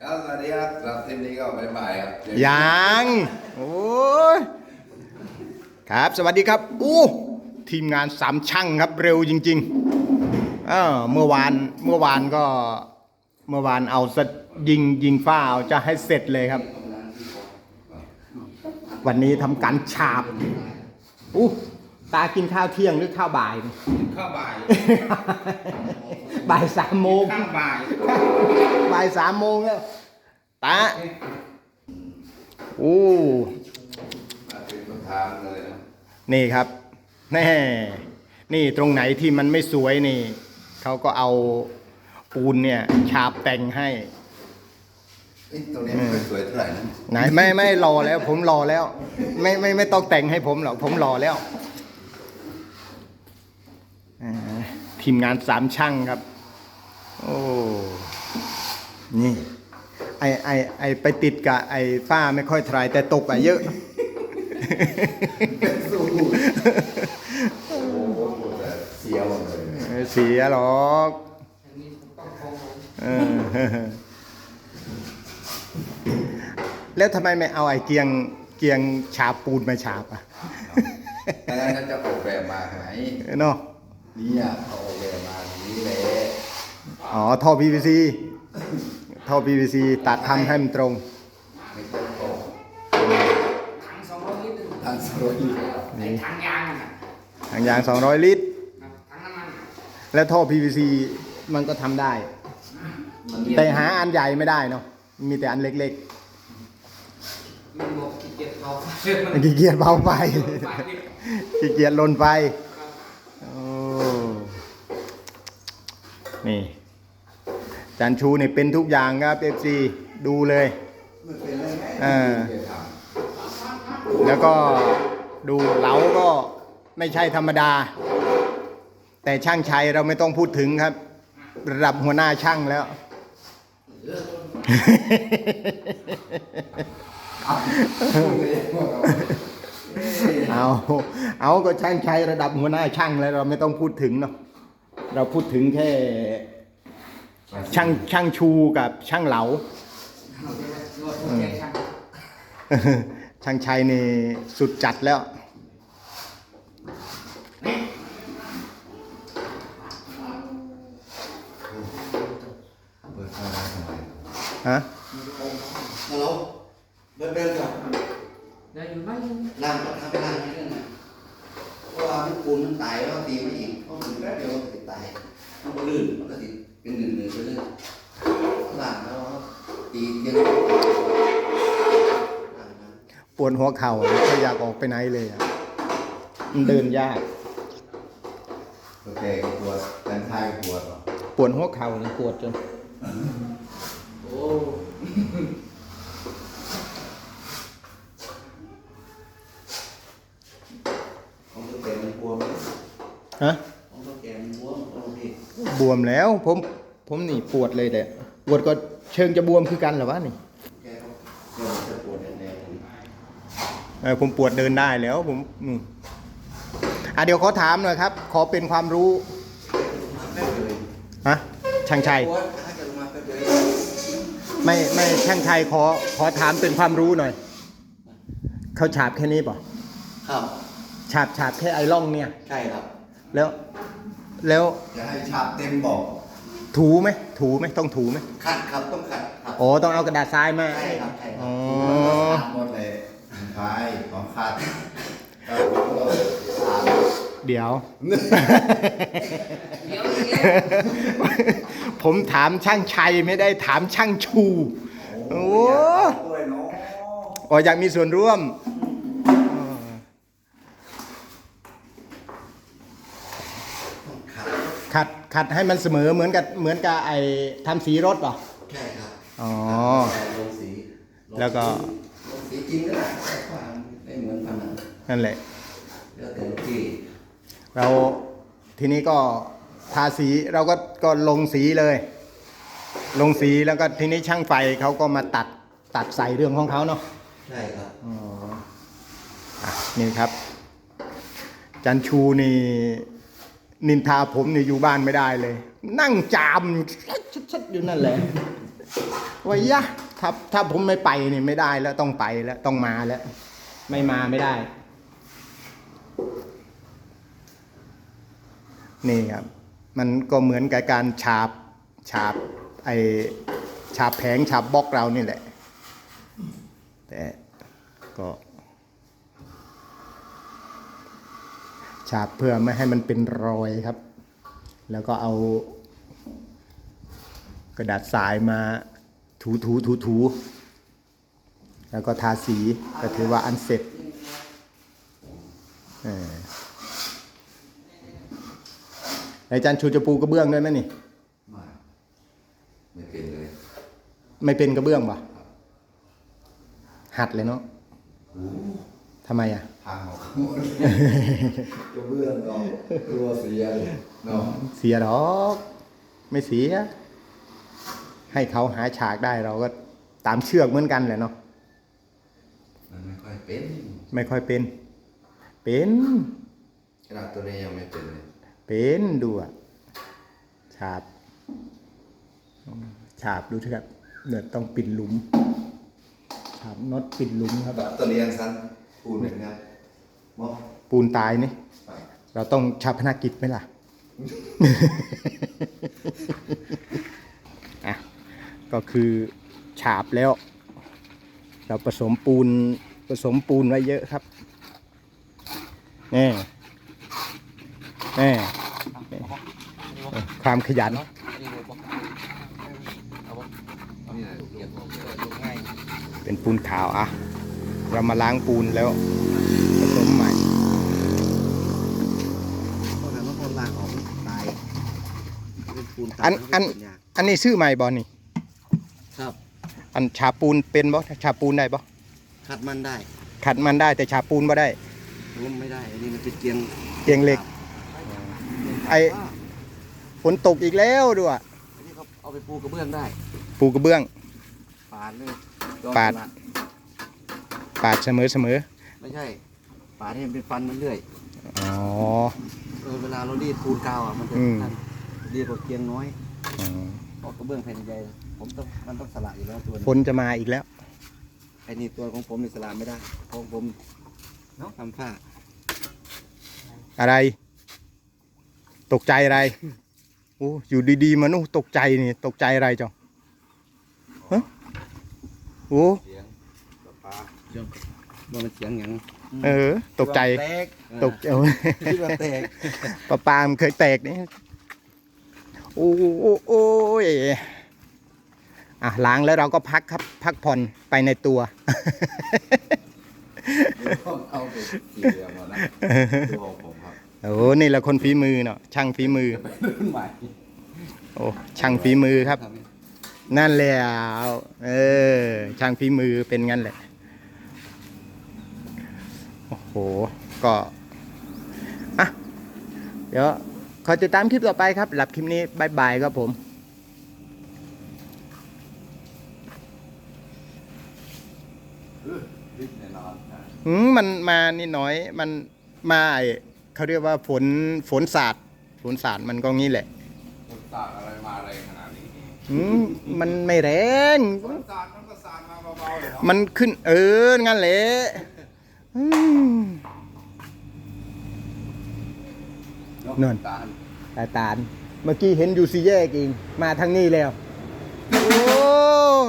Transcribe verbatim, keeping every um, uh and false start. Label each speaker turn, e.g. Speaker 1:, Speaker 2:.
Speaker 1: ครับสวัสดีครับสำหรับทีมนี้ก็บ๊ายบายครับ
Speaker 2: ยังโอ้ยครับสวัสดีครับอู้ทีมงานสามช่างครับเร็วจริงๆเออเมื่อวานเมื่อวานก็เมื่อวานเอาสยิงยิงฝ้าเอาจะให้เสร็จเลยครับวันนี้ทำการฉาบอู้ตากินข้าวเที่ยงหรือข้าวบ่าย
Speaker 1: ข้าวบ่าย
Speaker 2: บ่ายสามโมง
Speaker 1: ข้าวบ่าย
Speaker 2: บ่ายสามโมงแล้วตาโอ้นี่ครับแน่นี่ตรงไหนที่มันไม่สวยนี่เขาก็เอาปูนเนี่ยฉาบแต่งให้
Speaker 1: ตรงนี้ไม่สวยเท่าไหร่นะ
Speaker 2: ไหนไม่ไม่รอแล้วผมรอแล้วไม่ไม่ไม่ต้องแต่งให้ผมหรอกผมรอแล้วทีมงานสามช่างครับโอ้นี่ไอไอไอไปติดกับไอฝ้าไม่ค่อยทรายแต่ตกอะเยอะ
Speaker 1: สู้โอ้โหเสียหมดเลย
Speaker 2: เสียหรอกแล้วทำไมไม่เอาไอเกียงเกียงฉาบปูนมาฉาบอ่ะ
Speaker 1: แต่นั้นจะออกแบบมาไหน
Speaker 2: เนาะ
Speaker 1: นี่อ่ะเขาออกแบบมาอย่างนี้เลย
Speaker 2: อ๋อท่อ พี วี ซี ท่อ พี วี ซี ตัดทำให้มันตรง
Speaker 1: ไม่ตรงตรง
Speaker 3: ถังสองร้อยลิตร
Speaker 1: ถังสองร้อยลิตร
Speaker 3: ไอ้ถังยางอ่ะ
Speaker 2: ถังยางสองร้อยลิตร
Speaker 3: ถังน้ำมัน
Speaker 2: แล้วท่อ พี วี ซี มันก็ทำได้แต่หาอันใหญ่ไม่ได้เนาะมีแต่อันเล็ก
Speaker 3: ๆมันบอกขี้เกียจเบาไฟ
Speaker 2: ขี้เกียจเบาไฟขี้เกียจลนไฟโอ้นี่จันชูนี่เป็นทุกอย่างครับเอฟซีดูเลยอ่าแล้วก็ดูเหลาก็ไม่ใช่ธรรมดาแต่ช่างชัยเราไม่ต้องพูดถึงครับระดับหัวหน้าช่างแล้วเอาเอาก็ช่างชัยระดับหัวหน้าช่างแล้วเราไม่ต้องพูดถึงเนาะเราพูดถึงแค่ช่างช่างชูกับช่างเหลาช่างชัยนี่สุดจัดแล้วฮะ
Speaker 1: ฮัลโหลเดินเดินก่อน
Speaker 3: เดินอยู่ไหม
Speaker 1: ล่างก็ทำไปล่างนี่นะเพราะว่ามันปูนมันตายแล้วตีไม่อีกเพราะมันแป๊บเดียวมันติดตายมันก็ลื่นมันก็ติดเป็นหนึ่งหนึ่งไปเรื่อยล่างแล้วตีเยัง
Speaker 2: ปวดหัวเข่าไม่อยากออกไปไหนเลยอ่ะมันเดินยาก
Speaker 1: โอเคปวดแต่ท้ายปวด
Speaker 2: ปวดหัวเข่าเลยปวดจน
Speaker 1: โอ้ของตัวแกมันบวม
Speaker 2: ฮะ
Speaker 1: ของตัวแกมันบวมโอเค
Speaker 2: บวมแล้วผมผมนี่ปวดเลยแต่ปวดก็เชิงจะบวมคือกันเหรอวะนี่
Speaker 1: แกก็จะปวดแน่
Speaker 2: ๆเออผมปวดเดินได้แล้วผมอืมอ่ะเดี๋ยวขอถามหน่อยครับขอเป็นความรู้ฮะช่างชัยไม่ไม่ช่างชัยขอขอถามเป็นความรู้หน่อยเขาฉาบแค่นี้ป่ะ
Speaker 1: ครับ
Speaker 2: ฉาบฉาบแค่ไอร่องเนี่ย
Speaker 1: ใช่ครับ
Speaker 2: แล้วแล้ว
Speaker 1: จะให้ฉาบเต็มบอก
Speaker 2: ถูไหมถูไหมต้องถูไหม
Speaker 1: ขัดครับต้องขัดครับ
Speaker 2: โอ้ต้องเอากระดาษทรายมา
Speaker 1: ใช่ครับใช่ครับ
Speaker 2: อ๋อ
Speaker 1: หมดเลยใช่ของขัด
Speaker 2: เดี๋ยวผมถามช่างชัยไม่ได้ถามช่างชูโอ้โอ้อยากมีส่วนร่วมขัดขัดให้มันเสมอเหมือนกับเหมือนกับไอ้ทำสีรถป่ะ
Speaker 1: ใช่ครับ
Speaker 2: อ๋อ
Speaker 1: ลงสี
Speaker 2: แล้วก็
Speaker 1: ลงสีจริงก็ได้ไม่เหมือนผนัง
Speaker 2: นั่นแหละ
Speaker 1: แล้วแต่ที่
Speaker 2: เราทีนี้ก็ทาสีเราก็ก็ลงสีเลยลงสีแล้วก็ทีนี้ช่างไฟเขาก็มาตัดตัดใส่เรื่องของเขาเนาะ
Speaker 1: ใช่ครับ
Speaker 2: อ๋อนี่ครับจันชูนี่นินทาผมนี่อยู่บ้านไม่ได้เลยนั่งจามชัดๆอยู่นั่นแหละวายะถ้าถ้าผมไม่ไปนี่ไม่ได้แล้วต้องไปแล้วต้องมาแล้ว ไม่มาไม่ได้ นี่ครับ มันก็เหมือนกับการฉาบฉาบไอฉาบแผงฉาบบล็อกเรานี่แหละ แต่ก็ ฉาบเพื่อไม่ให้มันเป็นรอยครับ แล้วก็เอากระดาษทรายมาถูถูถูถูแล้วก็ทาสีก็ถือว่าอันเสร็จเอออาจารย์ชูจะปูกระเบื้องด้วยไหมนี่
Speaker 1: ไม่ไม่เป็นเลย
Speaker 2: ไม่เป็นกระเบื้องป่ะหัดเลยเนาะ
Speaker 1: โอ้
Speaker 2: ทำไมอ่ะ
Speaker 1: พังออกหมดกระเบื้องก็กลัวเสียเลยเนาะ
Speaker 2: เสียหรอกไม่เสีย ให้เขาหาฉากได้เราก็ตามเชือกเหมือนกันแหละเนาะ
Speaker 1: มันไม่ค่อยเป็น
Speaker 2: ไม่ค่อยเป็น เป็น
Speaker 1: ขนาดตัวนี้ยังไม่เป็นเลย
Speaker 2: เป็นดูอ่ะฉาบฉาบดูเถอะครับเนี่ยต้องปิดหลุมฉาบน็อตปิดหลุมครับ
Speaker 1: ตัวนี้ยังสั้นพูดหนึ่งครับมอง
Speaker 2: ปูนตายนี่
Speaker 1: ไป
Speaker 2: เราต้องชาพนักกิจไหมล่ะ อ่ะก็คือฉาบแล้ว เราผสมปูนผสมปูนไว้เยอะครับนี่นี่ความขยัน
Speaker 3: นี่เลยบอกเอาบอก
Speaker 1: นี่แหละเรียกว่า
Speaker 3: ลงง่าย
Speaker 2: เป็นปูนขาวอ่ะ เรามาล้างปูนแล้วผสมใหม่
Speaker 1: เพราะนั้นว่าคนล่างออกตายเป็นปูนตาย
Speaker 2: อันอัน
Speaker 1: เป็ยาก
Speaker 2: อันนี้ชื่อใหม่บอนี่
Speaker 1: ครับ
Speaker 2: อันฉาบปูนเป็นบ่ฉาบปูนได้บ่
Speaker 1: ขัดมันได้
Speaker 2: ขัดมันได้แต่ฉาบปูนบ่ได้
Speaker 1: ล้มไม่ได้อันนี้มันเป็นเกียง
Speaker 2: เกียงเหล็ก ไอ้ ฝนตกอีกแล้วด้วย
Speaker 1: อันนี้เขาเอาไปปูกระเบื้องได้
Speaker 2: ปูกระเบื้อง
Speaker 1: ปาดเลย
Speaker 2: ปาด ปาดเสมอเสมอ
Speaker 1: ไม่ใช่ปาดให้มันเป็นฟันมันเรื่อย
Speaker 2: อ๋อ
Speaker 1: เออเวลาเรารีดปูนกาวอ่ะมันจะ
Speaker 2: อืม
Speaker 1: ทันดีกว่าเกียงน้อย
Speaker 2: อ๋อ
Speaker 1: เพราะกระเบื้องแผ่นใหญ่ผมต้องมันต้องสละอยู่แล้วตัว
Speaker 2: ฝ
Speaker 1: นี้
Speaker 2: นจะมาอีกแล้ว
Speaker 1: ไอ้นี่ตัวของผมนี่สละไม่ได้ของผมเนาะทำฝ้า
Speaker 2: อะไร ตกใจอะไรโอ้อยู่ดีๆมานู่ตกใจนี่ตกใจอะไรจ้ะฮะโอ้
Speaker 1: เสียงปลาปลาเสียงมันเสียงอย่าง
Speaker 2: เออ ตกใจ
Speaker 1: แตก
Speaker 2: ตกเออ
Speaker 1: คิดว่าแตก
Speaker 2: ปลาปามนเคยแตกนี่โอ้โอ้โอ้ยอ่ะล้างแล้วเราก็พักครับ พักผ่อนไปในตัว
Speaker 1: เอาไปสี่เหลี่ยมมานะตัวของผมครับ
Speaker 2: โอ้นี่แหละคนฝีมือเนาะช่างฝีมือ
Speaker 1: เป็นรุ่นใหม่
Speaker 2: โอ้ช่างฝีมือครับ นั่นแหละเออ ช่างฝีมือเป็นงั้นแหละ โอ้โห ก็อ่ะเดี๋ยวขอติดตามคลิปต่อไปครับหลับคลิปนี้บายบายครับผม
Speaker 1: ริบแน่นอนนะ
Speaker 2: อืมมันมานิดหน่อย มันมาไอ้เขาเรียกว่าฝนฝนสาดฝนสาดมันก็งี้แหละ
Speaker 4: ฝนสาดอะไรมาแรงขนาดนี้
Speaker 2: อืมมันไม่แรง
Speaker 4: ฝนสาดมันก็สาดมาเบาๆเลยเนาะ
Speaker 2: มันขึ้น เออ งั้นแหละอืม นั่น
Speaker 1: ตาล
Speaker 2: ตาตาลเมื่อกี้เห็นอยู่สี่แยกเองมาทางนี้แล้ว โอ้